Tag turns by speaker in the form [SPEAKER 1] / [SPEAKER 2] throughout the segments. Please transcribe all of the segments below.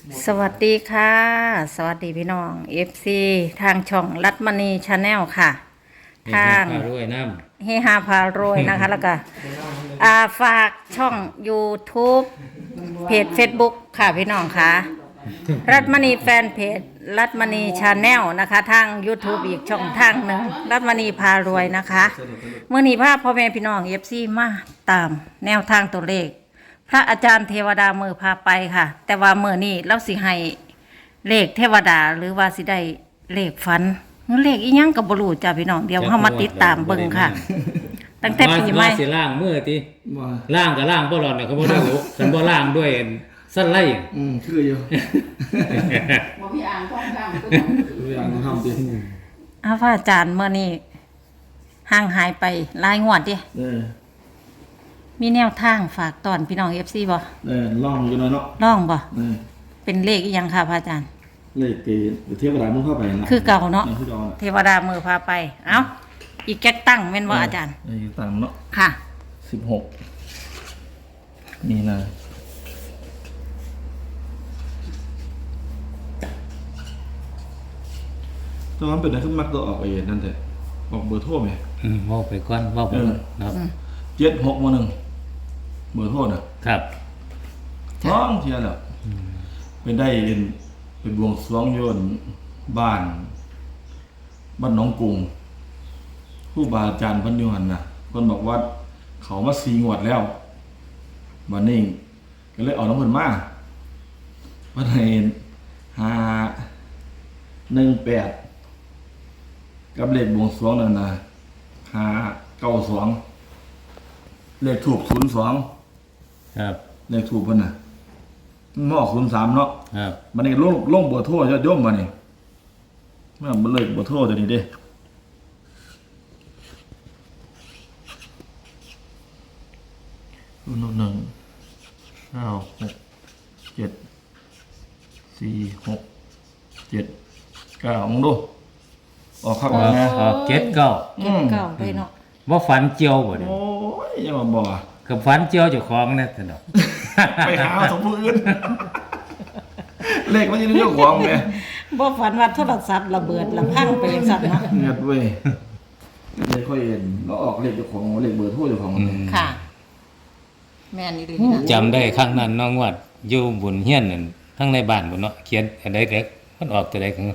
[SPEAKER 1] สวัสดีค่ะ สวัสดีพี่น้อง FC ทางช่องรัตมณีชาแนลค่ะ
[SPEAKER 2] เฮ
[SPEAKER 1] ทา
[SPEAKER 2] ฮาง พารวยน้
[SPEAKER 1] เฮฮาพารวยนะคะ แล้วก็ฝากช่อง YouTube เพจ Facebook ค่ะพี่น้องค่ะ รัตมณีแฟนเพจรัตมณีชาแนลนะคะ ทาง YouTube อีกช่องทางหนึ่งรัตมณีพารวยนะคะเมื่อนี้พาพ่อแม่พี่น้อง FC มาตามแนวทางตัวเลข พระอาจารย์เทวดามือพาไปค่ะ แต่ว่ามือนี้เราสิให้เลขเทวดาหรือว่าสิได้เลขฝันหรือเลขอีหยังกับบรูจ้าพี่น้องเดี๋ยวเข้ามาติดตามเบิ่งค่ะ ตั้ง
[SPEAKER 2] ำ
[SPEAKER 1] แต่ปีใหม่
[SPEAKER 2] ว่าสิล่างมือติ
[SPEAKER 3] ว่า
[SPEAKER 2] ล่างกับล่างบ่รอดเนี่ยเขาบ่ได้รู้ฉันบ่ล่างด้วยสั้นไล่
[SPEAKER 3] คืออยู่
[SPEAKER 4] บ่พี่อ่างท่องข้ามก็
[SPEAKER 3] ตัวอย่างทำดิ
[SPEAKER 1] พระอาจารย์เมื่อนี้ห่างหายไปหลายงวดดิ มีแนวทางฝากตอนพี่น้อง FC บ่
[SPEAKER 3] ล่องอยู่หน่อยเนาะ
[SPEAKER 1] ร้องบ่
[SPEAKER 3] เออ
[SPEAKER 1] เป็นเลขอีหยังค่ะพระอาจารย์
[SPEAKER 3] เลขเกเทียบกับร้านมึงเข้าไปนะ
[SPEAKER 1] คือเก่าเนาะ
[SPEAKER 3] คือเก่า
[SPEAKER 1] เทวดามือพาไปเอ้าอีกแก๊กตั้งแม่นบ่อาจารย์
[SPEAKER 3] ตามเนาะ
[SPEAKER 1] ค่ะ
[SPEAKER 3] 16นี่นะตอนนั้นเป็นอะไรขึ้นมักตัวออกไอ้นั่นแต่ออกเบอร์โทรไหม
[SPEAKER 2] เว้าไปก่อนเว้าไปก่อนครับ
[SPEAKER 3] 7611เบอร์โทรน่ะ
[SPEAKER 2] ครับ
[SPEAKER 3] ท้องเทียแล้วเป็นได้เป็นบวงสรวงโยนบ้านหนองกรุงผู้บาอาจารย์เพันอยุหันนะคนบอกว่าเขามาสีงวดแล้ววันนี้ก็เลยเอาน้ำเพิ่นมาวันไหน518กับเลขบวงสรวงนั่นนะ592เลขถูก02
[SPEAKER 2] ครับ
[SPEAKER 3] เลขถูกเพิ่นน่ะมันออก03เนาะ
[SPEAKER 2] ครับ
[SPEAKER 3] มันนี่ลงเบอร์โทรยอดโยมมานี่มันเลยเบอร์โทรตัวนี้เด้1 9 6 7 4 6 7 9มึงดูออกครับออกไง
[SPEAKER 2] เก็ดเก้า
[SPEAKER 1] เก็บเก่าไปเนาะ
[SPEAKER 2] บ่ฝันเจียวบ่เด้
[SPEAKER 3] โอ้ยอย่ามาบอก
[SPEAKER 2] กับฝันเจียวเจ้าของนะท่านดอก
[SPEAKER 3] ไปหาสมผู้อื่นเลขมันจะเรื่องของไง
[SPEAKER 1] บ่ฝันว่าโทรศัพท์ระเบิดละพังไปจังซั่นเนาะ
[SPEAKER 3] เงียบเว้ยเลขค่อยเห็นแล้วออกเลขเจ้าของเลขเบอร์โทรเจ้าของมัน
[SPEAKER 1] ค่ะ แม่นอีหลีนะ
[SPEAKER 2] จำได้ครั้งนั้นน้องวัดอยู่บุญเฮียนนั่นทั้งในบ้านพุ่นเนาะเขียนอันใดเด็กมันออกตัวใดของ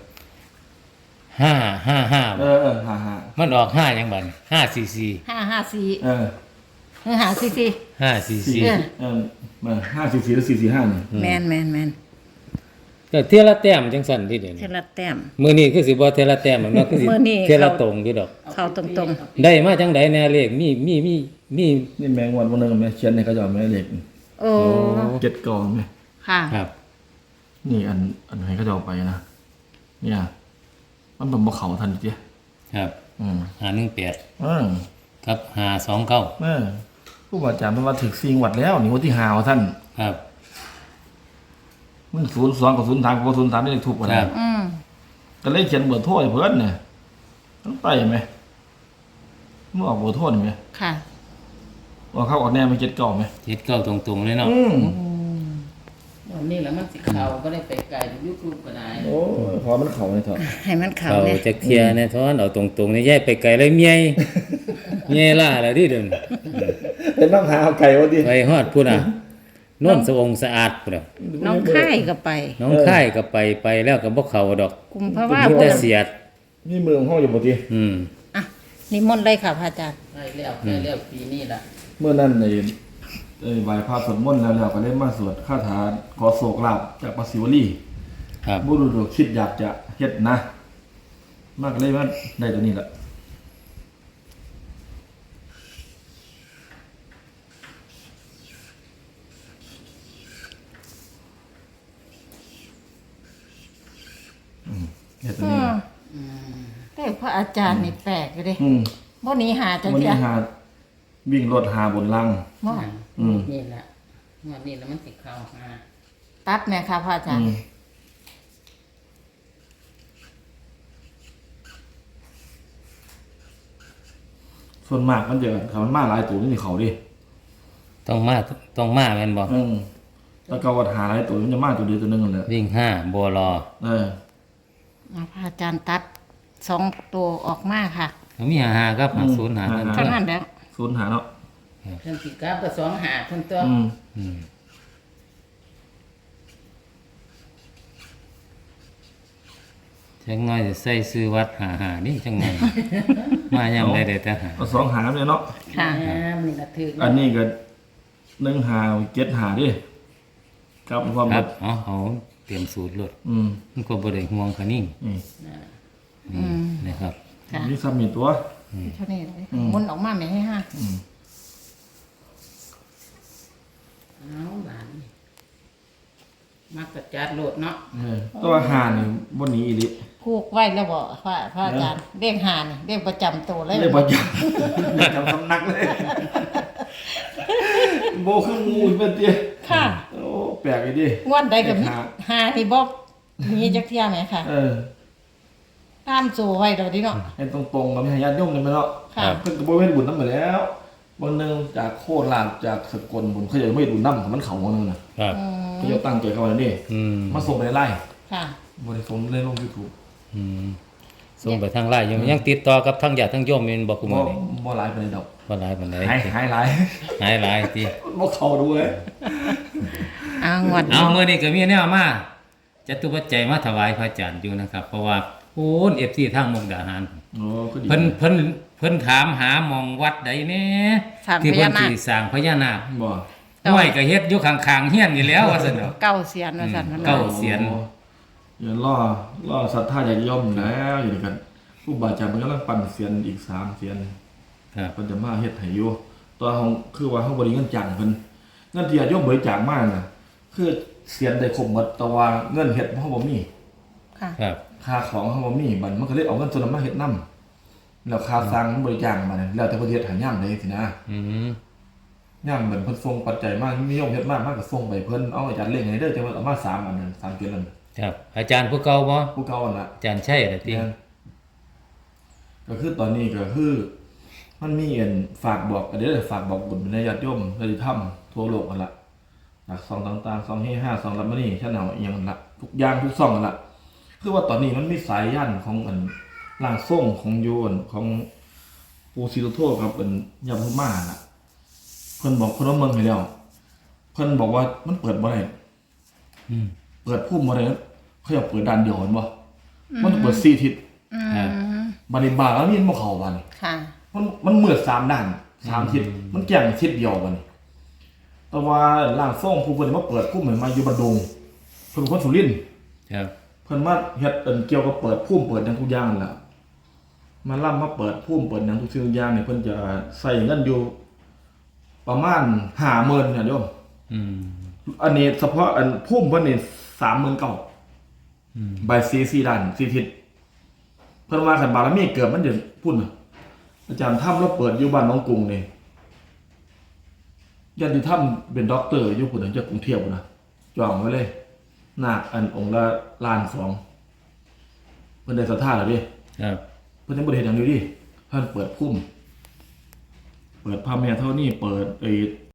[SPEAKER 2] 555
[SPEAKER 3] เออฮ่า
[SPEAKER 2] มันออก5หยังบัด544
[SPEAKER 1] 554
[SPEAKER 3] เออ
[SPEAKER 1] หรือ544
[SPEAKER 3] 4
[SPEAKER 2] 544
[SPEAKER 3] มา544แล้ว445นี่
[SPEAKER 1] แม่น
[SPEAKER 2] ก็เที่ยละแต้มจังซั่นที่เดี๋ยว
[SPEAKER 1] เท
[SPEAKER 2] นี้
[SPEAKER 1] ละแต้ม
[SPEAKER 2] มื้อนี้คือสิบ่เที่ยละแต้มหรอกเนาะคือสิ
[SPEAKER 1] มื้อนี้
[SPEAKER 2] เที่ยละตรงอยู่ดอก
[SPEAKER 1] เข้าตรง
[SPEAKER 2] ได้มาจังไดแน่เลขมี
[SPEAKER 3] นี่แมงวันนึงแม่เขียนให้เขาจะเอาแม่เลข
[SPEAKER 1] ๆโอ้
[SPEAKER 3] 7กองแม่
[SPEAKER 1] ค่ะ
[SPEAKER 2] ครับ
[SPEAKER 3] นี่อันให้เขาจะเอาไปนะเนี่ยมันเป็นบ่เข้าทันติ
[SPEAKER 2] ครับ 518 กับ529
[SPEAKER 3] ผู้บาอาจารย์เพิ่นว่าถึก4งวดแล้วนี่งวดที่5ว่าท่าน
[SPEAKER 2] ครับ
[SPEAKER 3] มึง02กับ03กับ03นี่เลขถูกบ่
[SPEAKER 2] ค
[SPEAKER 3] ได้
[SPEAKER 2] รับ
[SPEAKER 3] ก็เลยเขียนเบอร์โทรให้เพิ่นน่ะมันไปไหมมึงออกเบอร์โทรนี่ไหม
[SPEAKER 1] ค่ะ
[SPEAKER 3] ออกเข้าออกแน่มัน7กองไหม
[SPEAKER 2] 79ตรงๆเลยเนาะ
[SPEAKER 4] วันนี้แหละมันสิเขาก็ได้ไปไกลยุครูก็ได้
[SPEAKER 3] โอ้ยพอมันเข้าเลยเถอะ
[SPEAKER 1] ให้มันเข้า
[SPEAKER 2] เขา
[SPEAKER 1] เนี่ย
[SPEAKER 2] จะเคลียร์แน่ทอนเอาตรงๆนี่ย้ายไปไกลเลยเมียเมียล่าแล้วดิเดิน
[SPEAKER 3] เป็นน้ำหาเอาไก่วะดิ
[SPEAKER 2] ไปฮอดพุ่นน่ะโน่นสะองสะอาดพุ่นน่ะ
[SPEAKER 1] น้องค่ายก็ไป
[SPEAKER 2] น้องค่ายก็ไปแล้วก็บ่เข้าดอก
[SPEAKER 1] กุมภาวะ
[SPEAKER 2] มี
[SPEAKER 1] พุ่
[SPEAKER 2] แต่
[SPEAKER 1] น
[SPEAKER 2] เสียด
[SPEAKER 3] นี่มือของห้องอยู่บ่ติ
[SPEAKER 1] อ่ะนิมนต์เลยค่ะพระอาจารย์
[SPEAKER 4] ได้แล้วปีนี้ล่ะ
[SPEAKER 3] เมื่อนั้นไหว้พระสวดมนต์แล้วก็เลยมาสวดคาถาขอโศกลาภจากพระศิวลี
[SPEAKER 2] ครับ
[SPEAKER 3] บุรุษคิดอยากจะเฮ็ดนะ มากเลยว่าได้ตัวนี้ล่ะเฮ็ดตัวนี้ล่ะ
[SPEAKER 1] แต่พระอาจารย์นี่แปลกอยู่เด้
[SPEAKER 3] อืม
[SPEAKER 1] บ่หนีหาจัง
[SPEAKER 3] วัน
[SPEAKER 1] เดี
[SPEAKER 3] นี้
[SPEAKER 1] ย
[SPEAKER 3] หาวิ่งรถหาบนลัง
[SPEAKER 1] บ่
[SPEAKER 4] นี่แหละวันนี้แล้วมันสิเขาหา
[SPEAKER 1] ตัดแม่ค่ะพระอาจารย์
[SPEAKER 3] ส่วนมากมันจะเขามันมาหลายตัวนี่เขาดิ
[SPEAKER 2] ต้องมาแม่นบ่
[SPEAKER 3] อืมตะเกาวัดหาหลายตัวมันจะมาตัวเดียวตัวหนึงนั่นแหละ
[SPEAKER 2] วิ่ง5บัวรอ
[SPEAKER 1] พระอาจารย์ตัด2ตัวออกมาค่ะ
[SPEAKER 2] เขามี55ครับ50หานั่น
[SPEAKER 1] เท่านั้นแล้ว
[SPEAKER 3] ศูนย์หาเนาะ
[SPEAKER 4] เพิ่นสิกลับก็2หาเพิ่นตัว
[SPEAKER 2] อืมจังน้อยจะใส่ซื้อวัดหานี่จังไงมายามใดได้แต่หา
[SPEAKER 3] เอาสองหาเนี่ยเนาะ
[SPEAKER 1] ค่ะ
[SPEAKER 4] นี่ล่ะถึก
[SPEAKER 3] อันนี้ก็หนึ่งหาเจ็ดหาดิครับความ
[SPEAKER 2] ค
[SPEAKER 3] แบ
[SPEAKER 2] รับบ เอาเตรียมสูตรรถ
[SPEAKER 3] อืม
[SPEAKER 2] มันก็บ่ได้ห่วงคะนิ่ง
[SPEAKER 3] นี่
[SPEAKER 2] นี่นะครับ
[SPEAKER 1] ค่ะ
[SPEAKER 3] นี่ซ้ำมีตัว
[SPEAKER 1] เท่านี้เลยหมุนออกมาแม่ให้ห้า
[SPEAKER 4] เอาบานนี่มักกระจัดโลดเนาะ
[SPEAKER 3] ตัวหานี่บนนี้อีดิ
[SPEAKER 1] คูกไว้แล้วบ่พระอาจารย์เลขหานี่เลขประจำตัวเลย
[SPEAKER 3] เลยบ่จำจำสำนักเลยโบคืองูอีกเป็นเตี้ย
[SPEAKER 1] ค่ะ
[SPEAKER 3] โอ้แปลกอีดิ
[SPEAKER 1] งวดใดก็มี
[SPEAKER 3] เลข
[SPEAKER 1] หานี่บ่มีจักเที่ยไหมค่ะ
[SPEAKER 3] เออ
[SPEAKER 1] ตามโซไว้ดอกดิเนาะ
[SPEAKER 3] ให้ตรงๆกับให้ญาติโยมกันไปเนาะ
[SPEAKER 1] ค่ะ
[SPEAKER 3] เพิ่นก็บ่เฮ็ดบุญนำไปแล้วบางนึงจากโคราชจากสกลบุญเขาจะไม่เฮ็ดบุญนำของมันเขาบางนึงน่ะ
[SPEAKER 2] ครับ
[SPEAKER 3] เขาจะตั้งใจเข้ามานี่
[SPEAKER 2] อืม
[SPEAKER 3] มาส่งไปในไลน์
[SPEAKER 1] ค่ะ
[SPEAKER 3] บ่ได้ส่งในลง YouTube
[SPEAKER 2] อืมส่งไปทางไลน์ยังติดต่อกับทางญาติทางโยมแม่นบ่คุ
[SPEAKER 3] บ่
[SPEAKER 2] มื้อนี้
[SPEAKER 3] บ่หลายปานใดดอก
[SPEAKER 2] บ่หลายปานใด
[SPEAKER 3] หายหลาย
[SPEAKER 2] หายหลายติ
[SPEAKER 3] บ่เข้าดูเลย
[SPEAKER 1] งวด
[SPEAKER 2] เอามื้อนี้ก็มีแนวมาจตุปัจจัยมาถวายพระอาจารย์อยู่นะครับ เพราะว่าโอ้น FC ทางมุกดาหาร
[SPEAKER 3] โอ้ก็ดี
[SPEAKER 2] เพิ่นถามหาหมองวัดใดแน่
[SPEAKER 1] สร้าง
[SPEAKER 2] ที่
[SPEAKER 1] พ
[SPEAKER 2] เพิ่
[SPEAKER 1] ญาน นาค
[SPEAKER 2] สิสร้างพญานาค
[SPEAKER 3] บ่
[SPEAKER 2] ห้วยก็เฮ็ดอยู่ข้างๆเฮียนนี่แล้วว่าซั่นเนาะ
[SPEAKER 1] เก้าเสียนว่าซั่นมัน
[SPEAKER 2] เก้า เสียน
[SPEAKER 3] โอ้อย่าล่อศรัทธาญาติโยมแล้วอยู่ด้วยกันผู้บาอาจารย์มันกำลังปั่นเสียนอีก3เสียน
[SPEAKER 2] ครับ
[SPEAKER 3] เพิ่นจะมาเฮ็ดให้อยู่ตัวเฮาคือว่าเฮาบ่ได้เงินจ้างเพิ่นเงินที่ญาติโยมบริจาคมาน่ะคือเสียนได้ครบหมดแต่ว่าเงินเฮ็ดเฮาบ่มี
[SPEAKER 1] ค่ะ
[SPEAKER 2] ครับ
[SPEAKER 3] ค่าของเฮาบ่มีบัดมันก็เลยเอาเงินส่วนนั้นมาเฮ็ดนำแล้วค่าสร้างบริจาคมาเนี่ยแล้วแต่เพิ่นเฮ็ดให้ยามใดสินะ
[SPEAKER 2] อืม
[SPEAKER 3] ยามเหมือนเพิ่นส่งปัจจัยมานิยมเฮ็ดมากก็ส่งไปเพิ่นเอาอาจารย์เล่งให้เด้อจังว่าเอามา3อันนั้น3เกณฑ์นั้น
[SPEAKER 2] ครับ อาจารย์ผู้เก่าบ่
[SPEAKER 3] ผู้เก่าอันน่ะ
[SPEAKER 2] อาจารย์ใช่ล่ะติ
[SPEAKER 3] ก็คือตอนนี้ก็คือมันมีอันฝากบอกเด้อฝากบอกบุญในญาติโยมญาติธรรมทั่วโลกกันละจากซองต่างๆซองเฮห้าซองรับมานี่ชั้นเอาอีหยังนั่นละทุกอย่างทุกซองกันละคือว่าตอนนี้มันมีสายยันของอันร่างทรงของโยนของปูซิโตโตกับอันยาพุม่าน่ะเพิ่นบอกเพิ่นว่าเมืองให้แล้วเพิ่นบอกว่ามันเปิดบ่ได้
[SPEAKER 2] อืม
[SPEAKER 3] เปิดพุ่มบ่ได้เขาอยากเปิดด้านเดียวเห็นบ่มันต้องเปิด4ทิศ
[SPEAKER 2] ครับ
[SPEAKER 3] บัดนี้บาแล้วมีบ่เข้าบัดนี้
[SPEAKER 1] ค่ะ
[SPEAKER 3] มันมืด3ด้าน3ทิศมันแก่งทิศเดียวบัดนี้แต่ว่าร่างทรงผู้เพิ่นมาเปิดพุ่มให้มาอยู่บัดดงเพิ่นเป็นคนสุรินทร์
[SPEAKER 2] ครับ
[SPEAKER 3] เพิ่นมาเฮ็ดเกี่ยวกับเปิดพุ่มเปิดหยังทุกอย่างนั่นล่ะมาล่ำมาเปิดพุ่มเปิดหยังทุกสิ่งทุกอย่างนี่เพิ่นจะใส่เงินอยู่ประมาณ 50,000เนี่ยโยม
[SPEAKER 2] อืม
[SPEAKER 3] อันนี้เฉพาะอันพุ่มเพิ่นนี่ 39,000
[SPEAKER 2] อืม
[SPEAKER 3] ใบ4ด้าน4ทิศเพิ่นว่าคันบารมีเกิดมันจะพุ่นน่ะอาจารย์ถ้ำเราเปิดอยู่บ้านหนองกรุงนี่ญาติถ้ำเป็นด็อกเตอร์อยู่พุ่นน่ะจากกรุงเทพพุ่นน่ะจองไว้เลยนาคอันองค์ละล้าน 2เพิ่นได้ศรัทธาแล้วดิ
[SPEAKER 2] ครับ
[SPEAKER 3] เพิ่นยังบ่ได้เฮ็ดหยังอยู่ดิเพิ่นเปิดพุ่มเปิดพระแม่เท่านี้เปิดไอ้